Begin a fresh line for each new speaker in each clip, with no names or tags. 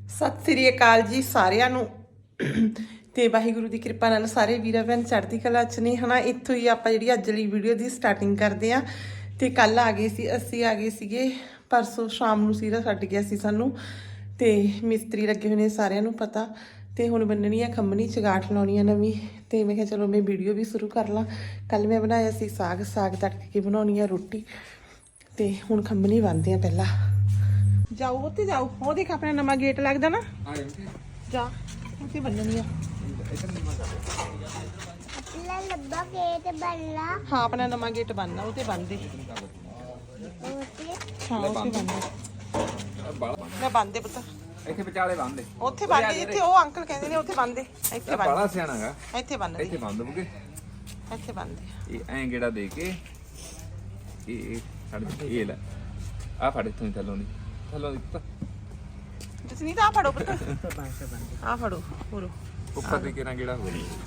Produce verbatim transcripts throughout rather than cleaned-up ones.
ਸਤਿ ਸ੍ਰੀ ਅਕਾਲ ਜੀ ਸਾਰਿਆਂ ਨੂੰ ਤੇ ਵਾਹਿਗੁਰੂ ਦੀ ਕਿਰਪਾ ਨਾਲ ਸਾਰੇ ਵੀਰਾਂ ਭੈਣ ਚੜ੍ਹਦੀ ਕਲਾ ਚ ਨੇ ਹਨਾ। ਇੱਥੋਂ ਹੀ ਆਪਾਂ ਜਿਹੜੀ ਅੱਜ ਵਾਲੀ ਵੀਡੀਓ ਦੀ ਸਟਾਰਟਿੰਗ ਕਰਦੇ ਆ। ਤੇ ਕੱਲ ਆ ਗਏ ਸੀ ਅਸੀਂ ਆ ਗਏ ਸੀਗੇ ਪਰਸੋਂ ਸ਼ਾਮ ਨੂੰ ਸੀਰਾ ਛੱਡ ਗਿਆ ਸੀ ਸਾਨੂੰ ਤੇ ਮਿਸਤਰੀ ਲੱਗੇ ਹੋਏ ਨੇ ਸਾਰਿਆਂ ਨੂੰ ਪਤਾ। ਤੇ ਹੁਣ ਬੰਨਣੀ ਆ ਖੰਮਣੀ ਚਗਾਠ ਲਾਉਣੀ ਆ ਨਵੀਂ। ਤੇ ਮੈਂ ਕਿਹਾ ਚਲੋ ਮੈਂ ਵੀਡੀਓ ਵੀ ਸ਼ੁਰੂ ਕਰ ਲਾਂ। ਕੱਲ ਮੈਂ ਬਣਾਇਆ ਸੀ ਸਾਗ ਸਾਗ ਤੜਕ ਕੇ ਬਣਾਉਣੀ ਆ ਰੋਟੀ ਤੇ ਹੁਣ ਖੰਮਣੀ ਬੰਨਦੇ ਆ ਪਹਿਲਾਂ। ਜਾਓ ਉੱਥੇ ਜਾਓ ਉਹ ਦੇਖ ਆਪਣਾ ਨਵਾਂ ਗੇਟ ਲੱਗਦਾ ਨਾ ਜਾ ਉੱਥੇ ਬੰਨਣੀ ਆ।
अपना लंबा गेट बनला
ਹਾਂ ਆਪਣਾ ਨਵਾਂ ਗੇਟ ਬੰਨਣਾ ਉਹ ਤੇ ਬੰਨਦੇ
ओके
ਹਾਂ ਉੱਥੇ ਬੰਨਦੇ ਮੈਂ ਬੰਨਦੇ ਪੁੱਤ
ਇੱਥੇ ਵਿਚਾਲੇ ਬੰਨਦੇ
ਉੱਥੇ ਬੰਨਦੇ ਜਿੱਥੇ ਉਹ ਅੰਕਲ ਕਹਿੰਦੇ ਨੇ ਉੱਥੇ ਬੰਨਦੇ ਇੱਥੇ ਬੰਨਦੇ
ਬੜਾ ਸਿਆਣਾਗਾ
ਇੱਥੇ ਬੰਨਦੇ
ਇੱਥੇ ਬੰਨ ਦੂਗੇ
ਇੱਥੇ ਬੰਨਦੇ
ਇਹ ਐਂ ਗੇੜਾ ਦੇ ਕੇ ਇਹ ਇਹ ਛੱਡ ਇਹ ਲੈ ਆ ਫੜ ਇੱਥੋਂ ਥੱਲੋਂ ਦੀ ਥੱਲੋਂ ਦੀ ਪੁੱਤ
ਤੁਸੀਂ ਨਹੀਂ ਤਾਂ ਆ ਫੜੋ ਪੁੱਤ ਆ ਫੜੋ ਪੂਰੋ
ਉੱਪਰ ਦੇ ਕਿਹੜਾ ਗੇੜਾ ਹੋ ਗਿਆ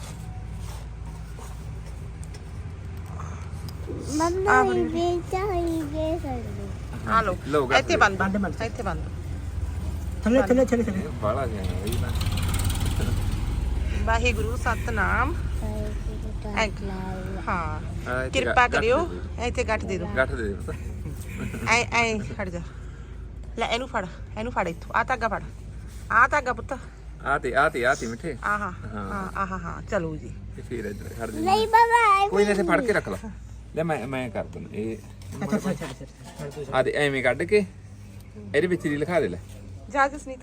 मम्मा ये चाहिए सर
ਆ ਲੋ
ਲਓ
ਇੱਥੇ ਬੰਨ ਬੰਨ ਇੱਥੇ ਬੰਨ
ਥੱਲੇ ਥੱਲੇ ਥੱਲੇ ਥੱਲੇ
ਬੜਾ ਸਿਆਣਾ ਬਈ ਮੈਂ
ਵਾਹਿਗੁਰੂ ਸਤਨਾਮ ਐਂਕ ਹਾਂ
ਆਹ ਇੱਥੇ
ਕਿਰਪਾ
ਗੱਠ
ਕਰਿਓ
ਦੇ ਦਿਓ।
ਇੱਥੇ ਗੱਠ ਦੇ ਦਿਓ
ਗੱਠ ਦੇ ਦੇ ਪੁੱਤ
ਐ ਐ ਖੜ ਜਾ ਲੈ ਇਹਨੂੰ ਫੜ ਇਹਨੂੰ ਫੜ ਇੱਥੋਂ ਆ ਧਾਗਾ ਫੜ ਆ ਧਾਗਾ ਪੁੱਤ
ਆ ਤੇ ਆ ਤੇ ਆ ਤੇ ਮਿੱਠੇ
ਆਹਾ ਹਾਂ ਆਹਾ ਹਾਂ ਚਲੋ ਜੀ
ਤੇ ਫਿਰ ਇੱਧਰ ਖੜ ਦੇ
नहीं बाबा
ਕੋਈ ਨਹੀਂ ਇੱਥੇ ਫੜ ਕੇ ਰੱਖ ਲਾ ਲੈ ਮੈਂ ਮੈਂ ਕਰ ਦਿੰਦਾ ਇਹ
ਅੱਛਾ ਅੱਛਾ ਅੱਛਾ ਅੱਛਾ
ਆ ਦੇ ਐਵੇਂ ਕੱਢ ਕੇ ਇਹਦੇ ਵਿੱਚ ਦੀ ਲਿਖਾ ਦੇ ਲੈ
ਜਾ ਜਸਨੀਤ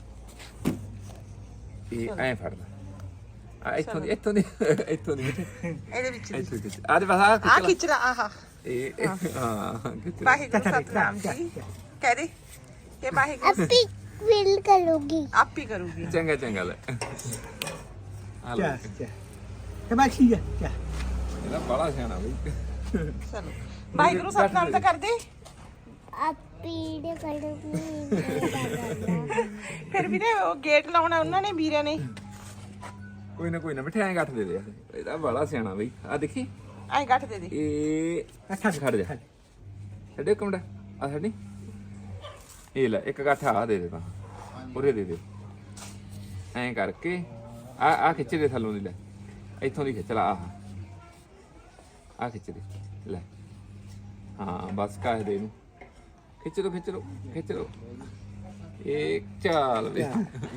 ਇਹ ਐਂ ਫੜ ਲੈ ਆ ਇੱਥੋਂ ਦੀ ਇੱਥੋਂ ਦੀ ਇੱਥੋਂ ਦੀ ਮਿੱਠੇ
ਇਹਦੇ ਵਿੱਚ ਦੀ।
ਇੱਥੋਂ ਖਿੱਚ ਆ ਦੇ ਬਸ ਆ
ਆ
ਖਿੱਚ ਲਾ
ਖਿੱਚ ਲਾ ਆਹਾ
ਇਹ ਹਾਂ ਖਿੱਚ ਲਾ।
ਵਾਹਿਗੁਰੂ ਸਤਨਾਮ ਜੀ ਕਹਿ ਦੇ ਕਿ ਵਾਹਿਗੁਰੂ
अपी विल करूंगी
ਆਪ ਹੀ ਕਰੂਗੀ
ਚੰਗਾ ਚੰਗਾ ਲੈ ਆ ਲੈ
ਕਿਆ ਕਿਆ ਤੇ ਮੈਂ ਠੀਕ ਹੈ ਕਿਆ
ਇਹਦਾ ਬੜਾ ਸਿਆਣਾ ਬਈ
ਚਲੋ ਵਾਹਿਗੁਰੂ ਸਤਨਾਮ ਤਾਂ ਕਰਦੇ
अपी ने करूंगी
ਫਿਰ ਵੀ ਉਹ ਗੇਟ ਲਾਉਣਾ ਉਹਨਾਂ ਨੇ ਵੀਰੇ ਨੇ
ਕੋਈ ਨਾ ਕੋਈ ਨਾ ਮਿੱਠੇ ਐਂ ਗੱਠ ਦੇ ਦੇ ਇਹਦਾ ਬੜਾ ਸਿਆਣਾ ਬਈ ਆ ਦੇਖੀ
ਐਂ ਗੱਠ ਦੇ ਦੇ
ਇਹ
ਅੱਛਾ
ਖੜ ਜਾ ਛੱਡੇ ਕਮੜਾ ਆ ਛੱਡੀ ਇਹ ਲੈ ਇੱਕ ਗੱਠ ਆ ਦੇ ਦੇ ਤਾਂ ਉਰੇ ਦੇ ਦੇ ਐਂ ਕਰਕੇ ਆ ਆ ਖਿੱਚ ਦੇ ਥੱਲੋਂ ਦੀ ਲੈ ਇੱਥੋਂ ਦੀ ਖਿੱਚ ਲਾ ਆਹ ਆ ਖਿੱਚ ਦੇ ਲੈ ਹਾਂ ਬਸ ਕਾਹ ਦੇ ਇਹਨੂੰ ਖਿੱਚ ਲੋ ਖਿੱਚ ਲੋ ਖਿੱਚ ਲੋ ਇਹ ਚਾਲ ਵੇ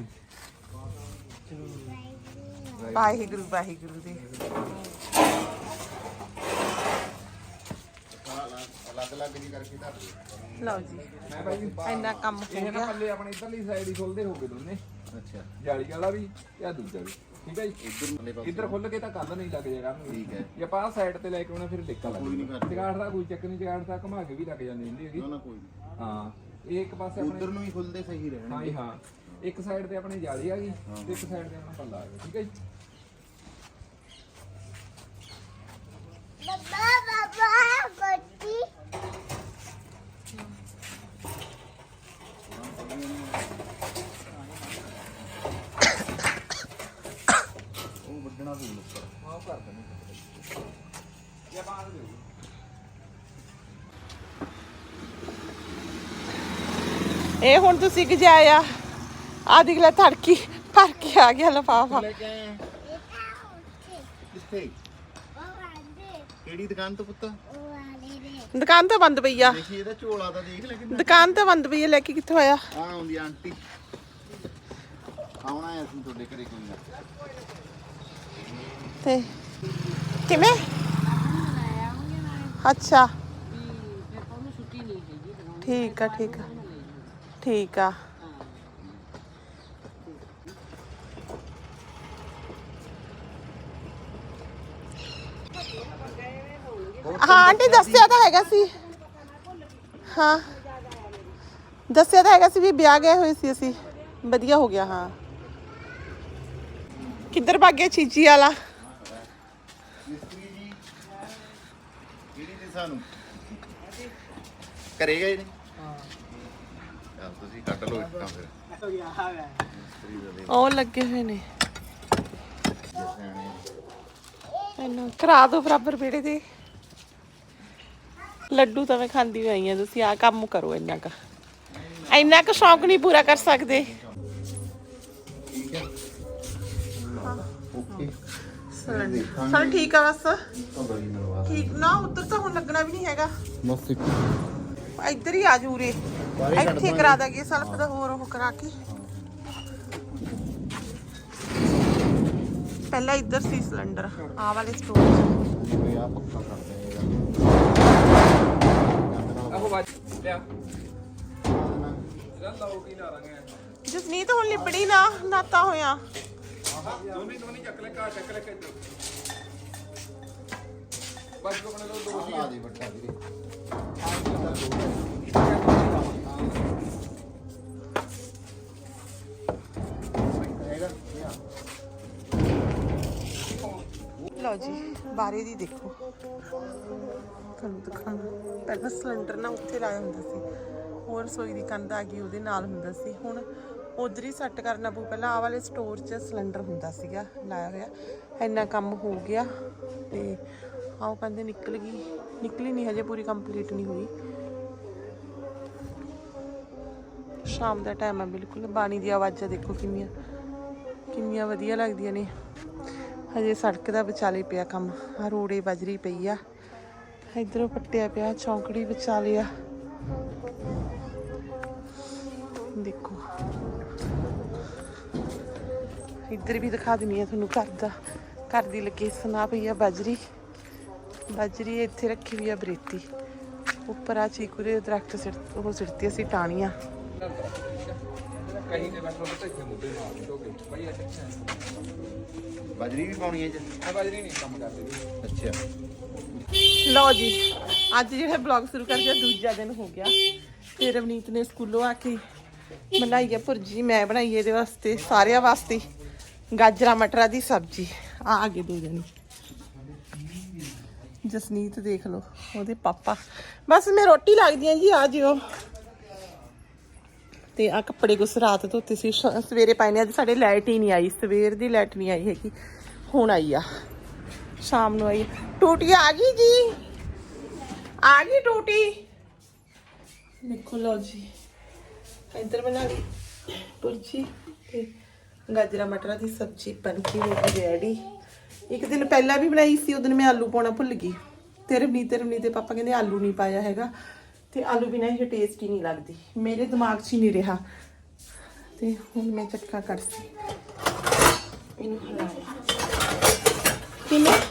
ਵਾਹਿਗੁਰੂ ਵਾਹਿਗੁਰੂ ਦੇ ਲਓ ਜੀ
ਮੈਂ ਭਾਈ
ਇੰਨਾ ਕੰਮ ਹੋ
ਇਹ ਨਾ
ਗਿਆ
ਪੱਲੇ ਆਪਣੇ ਇਧਰਲੀ ਸਾਈਡ ਹੀ ਖੋਲਦੇ ਹੋਗੇ ਦੋਨੇ ਅੱਛਾ ਜਾਲੀ ਵਾਲਾ ਵੀ ਤੇ ਆ ਦੂਜਾ ਵੀ ਠੀਕ ਹੈ ਜੀ ਇੱਧਰ ਖੁੱਲ ਕੇ ਤਾਂ ਕੰਧ ਨਹੀਂ ਲੱਗ ਜਾਏਗਾ ਠੀਕ ਹੈ ਜੇ ਆਪਾਂ ਸਾਈਡ ਤੇ ਲੈ ਕੇ ਆਉਣਾ ਫਿਰ ਡਿੱਕਾ ਲੱਗ ਜਾਏਗਾ ਜਗਾੜ ਦਾ ਕੋਈ ਚੱਕ ਨਹੀਂ ਜਗਾੜ ਦਾ ਘੁਮਾ ਕੇ ਵੀ ਲੱਗ ਜਾਂਦੀ ਹੁੰਦੀ ਹੈਗੀ ਨਾ ਕੋਈ ਹਾਂ ਇਹ ਇੱਕ ਪਾਸੇ ਆਪਣੇ
ਉਧਰ ਨੂੰ ਹੀ ਖੁੱਲਦੇ ਸਹੀ ਰਹਿਣ
ਹਾਂ ਜੀ ਹਾਂ ਇੱਕ ਸਾਈਡ ਤੇ ਆਪਣੀ ਜਾਲੀ ਆ ਗਈ ਤੇ ਇੱਕ ਸਾਈਡ ਤੇ ਆਪਣਾ ਪੱਲਾ ਆ ਗਿਆ ਠੀਕ ਹੈ ਜੀ
बाबा बाबा गोटी
ਉਹ ਵੱਢਣਾ ਪਊ ਉੱਪਰ
ਹਾਂ ਉਹ ਕਰ ਦਿੰਦੇ ਇਹ ਬਾਹਰ ਦੇ
ਇਹ ਹੁਣ ਤੁਸੀਂ ਗਜਾਇਆ ਆ ਦੇਖ ਲੈ ਧੜਕੀ ਭਰ ਕੇ ਆ ਗਿਆ ਲਫਾਫਾ
ਲੈ ਕੇ ਆਏ ਕਿੱਥੇ ਕਿਹੜੀ ਦੁਕਾਨ ਤੋਂ ਪੁੱਤ
ਦੁਕਾਨ ਤਾਂ ਬੰਦ ਪਈ ਆ
ਦੇਖੀ ਇਹਦਾ ਝੋਲਾ ਤਾਂ ਦੇਖ ਲੈ ਕਿੰਨਾ
ਦੁਕਾਨ ਤਾਂ ਬੰਦ ਪਈ ਆ ਲੈ ਕੇ ਕਿੱਥੋਂ ਆਇਆ
ਆ ਆਉਂਦੀ ਆਂਟੀ ਆਉਣਾ ਹੈ ਅਸੀਂ ਤੁਹਾਡੇ ਘਰੇ ਕੋਈ ਨਾ
ਤੇ ਕਿਵੇਂ ਅੱਛਾ ਠੀਕ ਆ ਠੀਕ ਆ ਠੀਕ ਆ ਹਾਂ ਆਂਟੀ ਦੱਸਿਆ ਤਾਂ ਹੈਗਾ ਸੀ ਹਾਂ ਦੱਸਿਆ ਤਾਂ ਹੈਗਾ ਸੀ ਵੀ ਵਿਆਹ ਗਏ ਹੋਏ ਸੀ ਅਸੀਂ ਵਧੀਆ ਹੋ ਗਿਆ ਹਾਂ ਕਿੱਧਰ ਭੱਗ ਗਿਆ ਚੀਚੀ ਵਾਲਾ
ਮਿਸਤਰੀ ਜੀ ਕਿਹੜੀ ਦੇ ਸਾਨੂੰ ਕਰੇਗਾ ਇਹਨੇ ਹਾਂ ਚੱਲ ਤੁਸੀਂ ਕੱਢ ਲਓ ਇੱਟਾਂ ਫਿਰ ਮਿਸਤਰੀ ਦਾ ਦੇ
ਉਹ ਲੱਗੇ ਹੋਏ ਨੇ
ਸਿਆਣੇ
ਇਹਨਾਂ ਕਰਾ ਦੋ ਬਰਾਬਰ ਬੇੜੇ ਦੇ ਲੱਡੂ ਤਾਂ ਮੈਂ ਖਾਂਦੀ ਹੋਈ ਆ ਤੁਸੀਂ ਆ ਕੰਮ ਕਰੋ ਇੰਨਾ ਕ ਇੰਨਾ ਕ ਸ਼ੌਂਕ ਨਹੀਂ ਪੂਰਾ ਕਰ ਸਕਦੇ
ਠੀਕ ਹੈ ਓਕੇ
ਸਿਲੰਡਰ ਚਲ ਠੀਕ ਆ ਬਸ
ਤਾਂ ਬੜੀ ਮਰਵਾ
ਠੀਕ ਨਾ ਉੱਧਰ ਤਾਂ ਹੁਣ ਲੱਗਣਾ ਵੀ ਨਹੀਂ ਹੈਗਾ
ਬਸ ਇੱਕ
ਇੱਧਰ ਹੀ ਆ ਜੂ ਰੇ ਇੱਥੇ ਕਰਾ ਦਾਂਗੇ ਸਲਫ ਦਾ ਹੋਰ ਉਹ ਕਰਾ ਕੇ ਪਹਿਲਾਂ ਇੱਧਰ ਸੀ ਸਿਲੰਡਰ ਆਹ ਵਾਲੇ ਸਟੋਰ 'ਚ
ਜਿਵੇਂ ਆ ਪੱਕਾ ਕਰਦੇ
ਆਹੋ ਬਾਜ ਲਿਆ ਇਹਦਾ ਲੋਕੀ ਲਾ ਲਾਂਗੇ
ਜਸਨੀਤ ਹੁਣ ਲਿਬੜੀ ਨਾ ਨਾਤਾ ਹੋਇਆ
ਦੋਨੇ ਦੋਨੇ ਚੱਕ ਲੈ ਕਾ ਚੱਕ ਲੈ ਕੇ ਬਸ ਕੋ ਬਣਾ ਲਓ ਦੋ
ਆ ਦੇ ਵੱਟਾ ਵੀਰੇ
ਲਓ ਜੀ ਬਾਰੇ ਦੀ ਦੇਖੋ ਤੁਹਾਨੂੰ ਦਿਖਾਣਾ ਪਹਿਲਾਂ ਸਿਲੰਡਰ ਨਾ ਉੱਥੇ ਲਾਇਆ ਹੁੰਦਾ ਸੀ ਹੋਰ ਰਸੋਈ ਦੀ ਕੰਧ ਆ ਗਈ ਉਹਦੇ ਨਾਲ ਹੁੰਦਾ ਸੀ ਹੁਣ ਉਧਰ ਹੀ ਸੈੱਟ ਕਰਨਾ ਪਊ ਪਹਿਲਾਂ ਆਹ ਵਾਲੇ ਸਟੋਰ 'ਚ ਸਿਲੰਡਰ ਹੁੰਦਾ ਸੀਗਾ ਲਾਇਆ ਹੋਇਆ ਇੰਨਾ ਕੰਮ ਹੋ ਗਿਆ ਤੇ ਆਓ ਕਹਿੰਦੇ ਨਿਕਲ ਗਈ ਨਿਕਲੀ ਨਹੀਂ ਹਜੇ ਪੂਰੀ ਕੰਪਲੀਟ ਨਹੀਂ ਹੋਈ ਸ਼ਾਮ ਦਾ ਟਾਈਮ ਆ ਬਿਲਕੁਲ ਬਾਣੀ ਦੀ ਆਵਾਜ਼ਾਂ ਦੇਖੋ ਕਿੰਨੀਆਂ ਕਿੰਨੀਆਂ ਵਧੀਆ ਲੱਗਦੀਆਂ ਨੇ ਹਜੇ ਸੜਕ ਦਾ ਵਿਚਾਲੇ ਪਿਆ ਕੰਮ ਆ ਰੋੜੇ ਬਜਰੀ ਪਈ ਆ ਇਧਰੋਂ ਪੱਟਿਆ ਪਿਆ ਚੌਂਕੜੀ ਵਿਚਾਲੇ ਆ ਦੇਖੋ ਇੱਧਰ ਵੀ ਦਿਖਾ ਦਿੰਦੀ ਆ ਤੁਹਾਨੂੰ ਘਰ ਦਾ ਘਰ ਦੀ ਲੋਕੇਸ਼ਨ ਆ ਪਈ ਆ ਬਜਰੀ ਬਜਰੀ ਇੱਥੇ ਰੱਖੀ ਵੀ ਆ ਬਰੇਤੀ ਉੱਪਰ ਆ ਚੀਕੂ ਦੇ ਦਰਖਤ ਸਿਰ ਉਹ ਸਿਰਤੀ ਅਸੀਂ ਟਾਣੀਆਂ
ਕਹੀਂ ਨੇ ਬੈਠੋ ਤੇ ਇੱਥੇ ਮੁੱਦੇ ਮਾਰ ਦੋਗੇ ਭਾਈ ਅੱਛਾ
ਬਾਜਰੀ ਵੀ ਪਾਉਣੀ ਹੈ ਜੀ
ਆ ਬਾਜਰੀ ਨਹੀਂ ਕੰਮ ਕਰਦੇ ਜੀ
ਅੱਛਾ
ਲਓ ਜੀ ਅੱਜ ਜਿਹੜਾ ਬਲੌਗ ਸ਼ੁਰੂ ਕਰ ਗਿਆ ਦੂਜਾ ਦਿਨ ਹੋ ਗਿਆ ਤੇ ਰਵਨੀਤ ਨੇ ਸਕੂਲੋਂ ਆ ਕੇ ਬਣਾਈ ਆ ਭੁਰਜੀ ਮੈਂ ਬਣਾਈ ਇਹਦੇ ਵਾਸਤੇ ਸਾਰਿਆਂ ਵਾਸਤੇ ਗਾਜਰਾਂ ਮਟਰਾਂ ਦੀ ਸਬਜ਼ੀ ਆ ਆ ਗਏ ਦੋ ਜਣੇ ਜਸਨੀਤ ਦੇਖ ਲਓ ਉਹਦੇ ਪਾਪਾ ਬਸ ਮੈਂ ਰੋਟੀ ਲੱਗਦੀ ਆ ਜੀ ਆ ਜਿਓ ਤੇ ਆ ਕੱਪੜੇ ਕੁਛ ਰਾਤ ਧੋਤੇ ਸੀ ਸਵੇਰੇ ਪਾਏ ਨੇ ਅੱਜ ਸਾਡੇ ਲਾਈਟ ਹੀ ਨਹੀਂ ਆਈ ਸਵੇਰ ਦੀ ਲਾਈਟ ਨਹੀਂ ਆਈ ਹੈਗੀ ਹੁਣ ਆਈ ਆ ਸ਼ਾਮ ਨੂੰ ਆਈ ਟੂਟੀ ਆ ਗਈ ਜੀ ਆ ਗਈ ਟੂਟੀ ਦੇਖੋ ਲਓ ਜੀ ਇੱਧਰ ਬਣਾ ਲਈ ਪੁਰਜੀ ਤੇ ਗਾਜਰਾਂ ਮਟਰਾਂ ਦੀ ਸਬਜ਼ੀ ਬਣ ਕੇ ਹੋ ਗਈ ਰੈਡੀ ਇੱਕ ਦਿਨ ਪਹਿਲਾਂ ਵੀ ਬਣਾਈ ਸੀ ਉਹ ਦਿਨ ਮੈਂ ਆਲੂ ਪਾਉਣਾ ਭੁੱਲ ਗਈ ਤੇ ਰਵਨੀਤ ਰਵਨੀਤ ਦੇ ਪਾਪਾ ਕਹਿੰਦੇ ਆਲੂ ਨਹੀਂ ਪਾਇਆ ਹੈਗਾ ਤੇ ਆਲੂ ਬਿਨਾਂ ਇਹ ਟੇਸਟੀ ਨਹੀਂ ਲੱਗਦੀ ਮੇਰੇ ਦਿਮਾਗ 'ਚ ਹੀ ਨਹੀਂ ਰਿਹਾ ਤੇ ਹੁਣ ਮੈਂ ਚੱਕਾ ਕਰਸੀ ਇਹਨੂੰ ਹਲਾ ਕਿੰਨੇ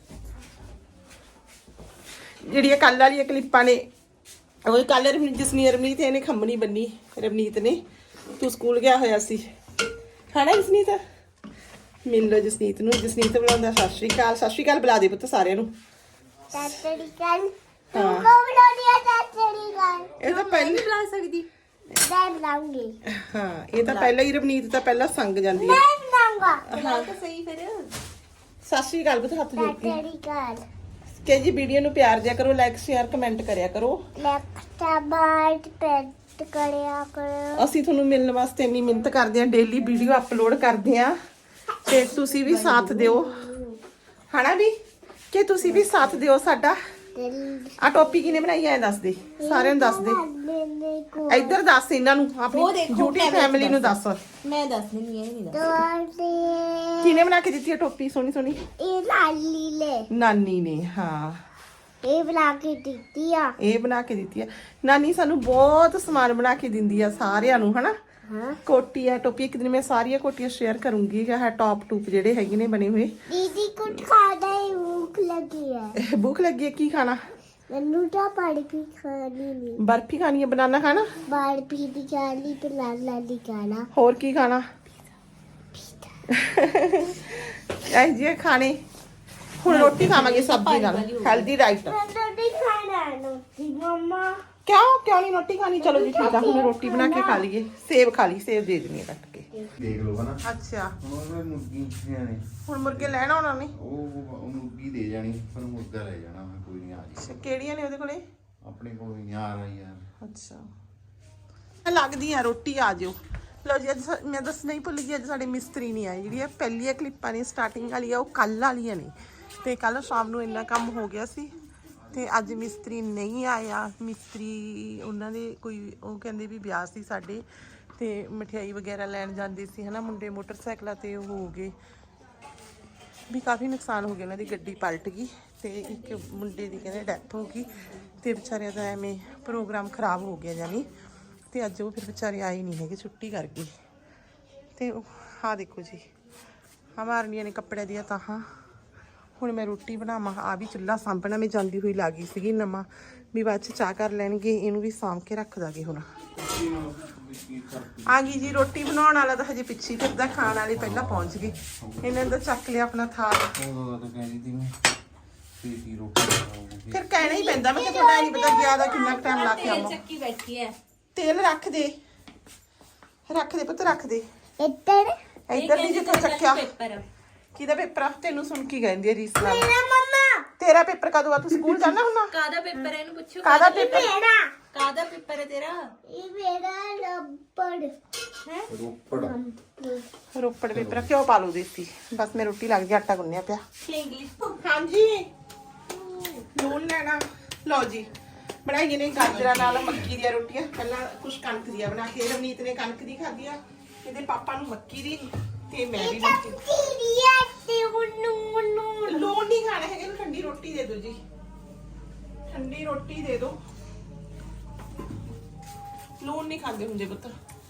ਜਿਹੜੀਆਂ ਕੱਲ ਵਾਲੀਆਂ ਕਲਿੱਪਾਂ ਨੇ ਉਹ ਕੱਲ ਰਵਨੀਤ ਜਸਨੀ ਰਵਨੀਤ ਇਹਨੇ ਖੰਮਣੀ ਬੰਨੀ ਰਵਨੀਤ ਨੇ ਤੂੰ ਸਕੂਲ ਗਿਆ ਹੋਇਆ ਸੀ ਖਾਣਾ ਜਸਨੀਤ ਮਿਲ ਲੋ ਜਸਨੀਤ ਨੂੰ ਜਸਨੀਤ ਬੁਲਾਉਂਦਾ ਸਤਿ ਸ਼੍ਰੀ ਅਕਾਲ ਸਤਿ ਸ਼੍ਰੀ ਅਕਾਲ ਬੁਲਾ ਦੇ ਪੁੱਤ ਸਾਰਿਆਂ ਨੂੰ
ਤਾਤੜੀ ਕੱਲ ਤੂੰ
ਹਾਂ।
ਕੋ ਬਣਾਉਣੀ ਆ ਤਾਤੜੀ ਕੱਲ
ਇਹ ਤਾਂ ਪਹਿਲਾਂ
ਬਣਾ ਸਕਦੀ ਮੈਂ ਬਣਾਉਂਗੀ
ਹਾਂ ਇਹ ਤਾਂ ਪਹਿਲਾਂ ਹੀ ਰਵਨੀਤ ਤਾਂ ਪਹਿਲਾਂ ਸੰਗ ਜਾਂਦੀ ਹੈ
ਮੈਂ ਬਣਾਉਂਗਾ
ਹਾਂ
ਤਾਂ ਸਹੀ ਫਿਰ
ਸਤਿ ਸ਼੍ਰੀ ਅਕਾਲ ਪੁੱਤ ਹੱਥ ਜੋੜ ਕੇ
ਤਾਤੜੀ ਕੱਲ
ਕਿ ਜੀ ਵੀਡੀਓ ਨੂੰ ਪਿਆਰ ਦਿਆ ਕਰੋ ਲਾਈਕ ਸ਼ੇਅਰ ਕਮੈਂਟ ਕਰਿਆ ਕਰੋ
ਲੈਕਟਾ ਬਾਟ ਪੈਟ ਕਰਿਆ ਕਰੋ
ਅਸੀਂ ਤੁਹਾਨੂੰ ਮਿਲਣ ਵਾਸਤੇ ਇੰਨੀ ਮਿਹਨਤ ਕਰਦੇ ਹਾਂ ਡੇਲੀ ਵੀਡੀਓ ਅਪਲੋਡ ਕਰਦੇ ਹਾਂ ਤੇ ਤੁਸੀਂ ਵੀ ਸਾਥ ਦਿਓ ਹਨਾ ਵੀ ਕਿ ਤੁਸੀਂ ਵੀ ਸਾਥ ਦਿਓ ਸਾਡਾ ਆ ਟੋਪੀ ਕਿਨੇ ਬਣਾਈ ਐ ਦੱਸ ਦੇ ਸਾਰਿਆਂ ਨੂੰ ਦੱਸ ਦੇ ਇੱਧਰ ਦੱਸ ਇਹਨਾਂ ਨੂੰ ਆਪਣੀ YouTube ਫੈਮਿਲੀ ਨੂੰ ਦੱਸ
ਮੈਂ ਦੱਸ ਦਿੰਦੀ ਹਾਂ ਨਹੀਂ
ਦੋਸਤੀ
ਕਿਨੇ ਬਣਾ ਕੇ ਦਿੱਤੀ ਹੈ ਟੋਪੀ ਸੋਹਣੀ ਸੋਹਣੀ
ਇਹ ਲਾਲੀ ਲੈ
ਨਾਨੀ ਨੇ ਹਾਂ
ਇਹ ਬਣਾ ਕੇ ਦਿੱਤੀ ਆ
ਇਹ ਬਣਾ ਕੇ ਦਿੱਤੀ ਹੈ ਨਾਨੀ ਸਾਨੂੰ ਬਹੁਤ ਸਮਾਨ ਬਣਾ ਕੇ ਦਿੰਦੀ ਆ ਸਾਰਿਆਂ ਨੂੰ ਹਨਾ
ਹਾਂ
ਕੋਟੀ ਆ ਟੋਪੀ ਇੱਕ ਦਿਨ ਮੈਂ ਸਾਰੀਆਂ ਕੋਟੀਆਂ ਸ਼ੇਅਰ ਕਰੂੰਗੀ ਹੈ ਟੌਪ ਟੂਪ ਜਿਹੜੇ ਹੈਗੇ ਨੇ ਬਣੇ ਹੋਏ
ਦੀਦੀ ਕੁਝ ਖਾਦਾ ਹੈ ਭੁੱਖ ਲੱਗੀ ਹੈ
ਭੁੱਖ ਲੱਗੀ ਹੈ ਕੀ ਖਾਣਾ
ਮੈਨੂੰ ਤਾਂ ਬਰਫੀ ਖਾਣੀ ਨਹੀਂ
ਬਰਫੀ ਖਾਣੀ ਹੈ ਬਨਾਨਾ ਖਾਣਾ
ਬਰਫੀ ਦੀ ਖਾਣੀ ਤੇ ਲਾਲਾ ਦੀ ਖਾਣਾ
ਹੋਰ ਕੀ ਖਾਣਾ ਐ ਜੀ ਖਾਣੇ ਹੁਣ ਰੋਟੀ ਖਾਵਾਂਗੇ ਸਬਜ਼ੀ ਨਾਲ ਹੈਲਦੀ ਡਾਈਟ
ਮੈਂ ਰੋਟੀ ਖਾਣਾ ਰੋਟੀ ਮਮਾ
ਕਿਉਂ ਕਿਉਂ ਨਹੀਂ ਰੋਟੀ ਖਾਣੀ ਚਲੋ ਜੀ ਠੀਕ ਆ ਹੁਣ ਰੋਟੀ ਬਣਾ ਕੇ ਖਾ ਲਈਏ ਸੇਬ ਖਾ ਲਈ ਸੇਬ ਦੇ ਦਿੰਨੀ ਆ ਕੱਟ ਕੇ
ਦੇਖ ਲਓ ਹਨਾ
ਅੱਛਾ
ਹੁਣ ਉਹ ਮੁਰਗੀਆਂ ਨੇ
ਹੁਣ ਮੁਰਗੇ ਲੈਣ ਆਉਣਾ ਨਹੀਂ
ਉਹ ਉਹ ਮੁਰਗੀ ਦੇ ਜਾਣੀ ਪਰ ਮੁਰਗਾ ਲੈ ਜਾਣਾ ਮੈਂ ਕੋਈ ਨਹੀਂ ਆ ਜੀ
ਅੱਛਾ ਕਿਹੜੀਆਂ ਨੇ ਉਹਦੇ ਕੋਲੇ
ਆਪਣੇ ਕੋਲ ਵੀ ਯਾਰ ਆ ਯਾਰ
ਅੱਛਾ ਲੱਗਦੀ ਆ ਰੋਟੀ ਆ ਜਿਓ ਲਓ ਜੀ ਅੱਜ ਸਾ- ਮੈਂ ਦੱਸਣਾ ਹੀ ਭੁੱਲ ਗਈ ਅੱਜ ਸਾਡੇ ਮਿਸਤਰੀ ਨਹੀਂ ਆਏ ਜਿਹੜੀਆਂ ਪਹਿਲੀਆਂ ਕਲਿੱਪਾਂ ਨੇ ਸਟਾਰਟਿੰਗ ਵਾਲੀਆਂ ਉਹ ਕੱਲ ਵਾਲੀਆਂ ਨੇ ਤੇ ਕੱਲ ਸ਼ਾਮ ਨੂੰ ਇੰਨਾ ਕੰਮ ਹੋ ਗਿਆ ਸੀ ਤੇ ਅੱਜ ਮਿਸਤਰੀ ਨਹੀਂ ਆਇਆ ਮਿਸਤਰੀ ਉਹਨਾਂ ਦੇ ਕੋਈ ਉਹ ਕਹਿੰਦੇ ਵੀ ਵਿਆਹ ਸੀ ਸਾਡੇ ਤੇ ਮਠਿਆਈ ਵਗੈਰਾ ਲੈਣ ਜਾਂਦੇ ਸੀ ਹਨਾ ਮੁੰਡੇ ਮੋਟਰਸਾਈਕਲਾਂ ਤੇ ਉਹ ਹੋ ਗਏ ਵੀ ਕਾਫੀ ਨੁਕਸਾਨ ਹੋ ਗਿਆ, ਉਹਨਾਂ ਦੀ ਗੱਡੀ ਪਲਟ ਗਈ ਤੇ ਇੱਕ ਮੁੰਡੇ ਦੀ ਕਹਿੰਦੇ ਡੈਥ ਹੋ ਗਈ ਤੇ ਵਿਚਾਰਿਆਂ ਦਾ ਐਵੇਂ ਪ੍ਰੋਗਰਾਮ ਖਰਾਬ ਹੋ ਗਿਆ ਜਾਨੀ। ਤੇ ਅੱਜ ਉਹ ਫਿਰ ਵਿਚਾਰੇ ਆਏ ਨਹੀਂ ਹੈਗੇ, ਛੁੱਟੀ ਕਰ ਗਏ। ਤੇ ਆਹ ਦੇਖੋ ਜੀ ਆਹ ਮਾਰਨੀਆਂ ਨੇ ਕੱਪੜਿਆਂ ਦੀਆਂ ਤਾਹਾਂ। ਹੁਣ ਮੈਂ ਰੋਟੀ ਬਣਾਵਾਂ, ਆ ਵੀ ਚੁੱਲ੍ਹਾ ਸਾਂਭਣਾ ਮੈਂ ਜਾਂਦੀ ਹੋਈ ਲਾ ਗਈ ਸੀਗੀ ਨਵਾਂ, ਵੀ ਬਾਅਦ 'ਚ ਚਾਹ ਕਰ ਲੈਣਗੇ, ਇਹਨੂੰ ਵੀ ਸਾਂਭ ਕੇ ਰੱਖ ਦਾਂਗੇ। ਹੁਣ ਆ ਗਈ ਜੀ ਰੋਟੀ ਬਣਾਉਣ ਵਾਲਾ ਤਾਂ ਹਜੇ ਪਿੱਛੇ ਫਿਰਦਾ, ਖਾਣ ਵਾਲੇ ਪਹਿਲਾਂ ਪਹੁੰਚ ਗਏ। ਇਹਨਾਂ ਨੇ ਤਾਂ ਚੱਕ ਲਿਆ ਆਪਣਾ ਥਾਲ। ਫਿਰ ਕਹਿਣਾ ਹੀ ਪੈਂਦਾ, ਮੈਂ ਕਿਹਾ ਤੁਹਾਡਾ ਨਹੀਂ ਪਤਾ ਗਿਆ ਦਾ ਕਿੰਨਾ ਟਾਈਮ ਲਾ ਕੇ ਆਵਾਂ।
ਚੱਕੀ ਬੈਠੀ ਹੈ,
ਤੇਲ ਰੱਖ ਦੇ, ਰੱਖ ਦੇ ਪੁੱਤ ਰੱਖ ਦੇ।
ਇੱਧਰ
ਇੱਧਰ ਨਹੀਂ ਜਿੱਥੇ ਚੱਕਿਆ।
ਪੇਪਰ
ਕਿਹਦਾ ਪੇਪਰ ਆ? ਤੈਨੂੰ ਸੁਣ ਕੀ ਕਹਿੰਦੀ ਹੈ ਰੀਸ ਨਾਲ।
ਮੇਰਾ ਮੰਮਾ
ਤੇਰਾ ਪੇਪਰ ਕਦੋਂ ਆ? ਤੂੰ ਸਕੂਲ ਜਾਣਾ ਹੁੰਦਾ?
ਕਾਦਾ ਪੇਪਰ ਹੈ ਇਹਨੂੰ ਪੁੱਛੋ।
ਕਾਹਦਾ ਪੇਪਰ?
ਮੇਰਾ
ਕਾਦਾ ਪੇਪਰ ਹੈ ਤੇਰਾ?
ਇਹ ਮੇਰਾ ਲੱਪੜ
ਹੈ
ਰੋਪੜ ਪੇਪਰ ਆ। ਕਿਉਂ ਪਾ ਲੂ ਦੇਤੀ? ਬਸ ਮੈਂ ਰੋਟੀ ਲੱਗ ਗਈ, ਆਟਾ ਗੁੰਨਿਆ ਪਿਆ।
ਇੰਗਲਿਸ਼
ਹਾਂਜੀ ਲੂਣ ਲੈਣਾ। ਲਓ ਜੀ ਬਣਾਈਏ ਨੇ ਗਾਜਰਾਂ ਨਾਲ ਮੱਕੀ ਦੀਆਂ ਰੋਟੀਆਂ। ਪਹਿਲਾਂ ਕੁਛ ਕਣਕ ਦੀਆਂ ਬਣਾ ਕੇ, ਰਵਨੀਤ ਨੇ ਕਣਕ ਦੀ ਖਾਧੀ ਆ, ਇਹਦੇ ਪਾਪਾ ਨੂੰ ਮੱਕੀ ਦੀ ਤੇ ਮੈਂ ਵੀ ਮੱਕੀ ਦੀ।
ਤੀਰੀਆ ਤੇ ਉਹਨੂੰ ਨੂੰ
ਲੂਣ ਨਹੀਂ ਖਾਣਾ ਹੈਗਾ, ਇਹਨੂੰ ਠੰਡੀ ਰੋਟੀ ਦੇ ਦਿਓ ਜੀ, ਠੰਡੀ ਰੋਟੀ ਦੇ ਦਿਓ। ਲੂਣ ਨਹੀਂ ਖਾਂਦੇ ਹੁੰਦੇ ਪੁੱਤ।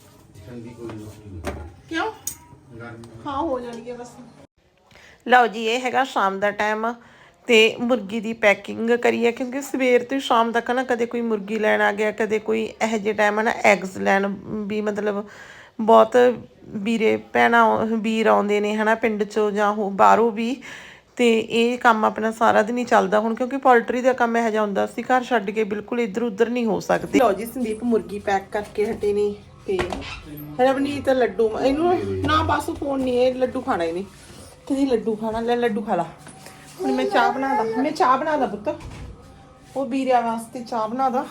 ਕਿਉਂ? ਹਾਂ ਹੋ ਜਾਣੀ ਹੈ ਬਸ। ਲਓ ਜੀ ਇਹ ਹੈਗਾ ਸ਼ਾਮ ਦਾ ਟਾਈਮ ਤੇ ਮੁਰਗੀ ਦੀ ਪੈਕਿੰਗ ਕਰੀ ਹੈ, ਕਿਉਂਕਿ ਸਵੇਰ ਤੋਂ ਸ਼ਾਮ ਤੱਕ ਨਾ ਕਦੇ ਕੋਈ ਮੁਰਗੀ ਲੈਣ ਆ ਗਿਆ, ਕਦੇ ਕੋਈ ਇਹੋ ਜਿਹੇ ਟਾਈਮ ਨਾ ਐਗਸ ਲੈਣ ਵੀ, ਮਤਲਬ ਬਹੁਤ ਵੀਰੇ ਭੈਣਾਂ ਵੀਰ ਆਉਂਦੇ ਨੇ ਹਨਾ ਪਿੰਡ 'ਚੋਂ ਜਾਂ ਉਹ ਬਾਹਰੋਂ ਵੀ। ਤੇ ਇਹ ਕੰਮ ਆਪਣਾ ਸਾਰਾ ਦਿਨ ਹੀ ਚੱਲਦਾ ਹੁਣ, ਕਿਉਂਕਿ ਪੋਲਟਰੀ ਦਾ ਕੰਮ ਇਹੋ ਜਿਹਾ ਹੁੰਦਾ ਸੀ ਘਰ ਛੱਡ ਕੇ ਬਿਲਕੁਲ ਇੱਧਰ ਉੱਧਰ ਨਹੀਂ ਹੋ ਸਕਦੇ। ਲਓ ਜੀ ਸੰਦੀਪ ਮੁਰਗੀ ਪੈਕ ਕਰਕੇ ਹਟੇ ਨੇ ਤੇ ਰਵਨੀਤ ਲੱਡੂ, ਇਹਨੂੰ ਨਾ ਬਸ ਫੋਨ ਨਹੀਂ, ਇਹ ਲੱਡੂ ਖਾਣਾ ਹੀ ਨਹੀਂ, ਕਹਿੰਦੀ ਲੱਡੂ ਖਾਣਾ, ਲੈ ਲੱਡੂ ਖਾ ਲਾ। ਹੁਣ ਮੈਂ ਚਾਹ ਬਣਾ ਦਾ, ਮੈਂ ਚਾਹ ਬਣਾ ਦਾ ਪੁੱਤ, ਉਹ ਵੀਰਿਆਂ ਵਾਸਤੇ ਚਾਹ ਬਣਾ ਦਾ।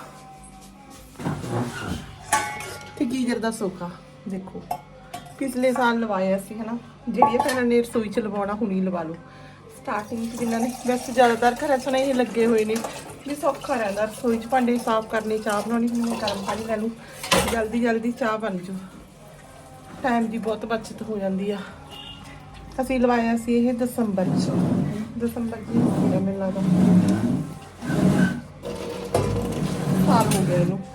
ਤੇ ਗੀਜ਼ਰ ਦਾ ਸੋਖਾ ਦੇਖੋ ਪਿਛਲੇ ਸਾਲ ਲਵਾਇਆ ਸੀ ਹਨਾ, ਜਿਹੜੀਆਂ ਭੈਣਾਂ ਨੇ ਰਸੋਈ 'ਚ ਲਵਾਉਣਾ ਹੁਣੀ ਲਵਾ ਲਓ। ਸਟਾਰਟਿੰਗ 'ਚ ਜਿਨ੍ਹਾਂ ਨੇ, ਵੈਸੇ ਜ਼ਿਆਦਾਤਰ ਘਰਾਂ 'ਚ ਨਾ ਇਹ ਲੱਗੇ ਹੋਏ ਨੇ ਵੀ ਸੌਖਾ ਰਹਿੰਦਾ ਰਸੋਈ 'ਚ ਭਾਂਡੇ ਸਾਫ਼ ਕਰਨੇ, ਚਾਹ ਬਣਾਉਣੀ। ਹੁਣ ਮੈਂ ਗਰਮ ਪਾਣੀ ਲੈ ਲੂੰ, ਜਲਦੀ ਜਲਦੀ ਚਾਹ ਬਣ ਜੂ, ਟਾਈਮ ਦੀ ਬਹੁਤ ਬਚਤ ਹੋ ਜਾਂਦੀ ਆ। ਅਸੀਂ ਲਵਾਇਆ ਸੀ ਇਹ ਦਸੰਬਰ 'ਚ, ਦਸੰਬਰ 'ਚ ਹੀ ਸੀਗਾ ਮੈਨੂੰ ਲੱਗਦਾ, ਸਾਲ ਹੋ ਗਿਆ ਇਹਨੂੰ।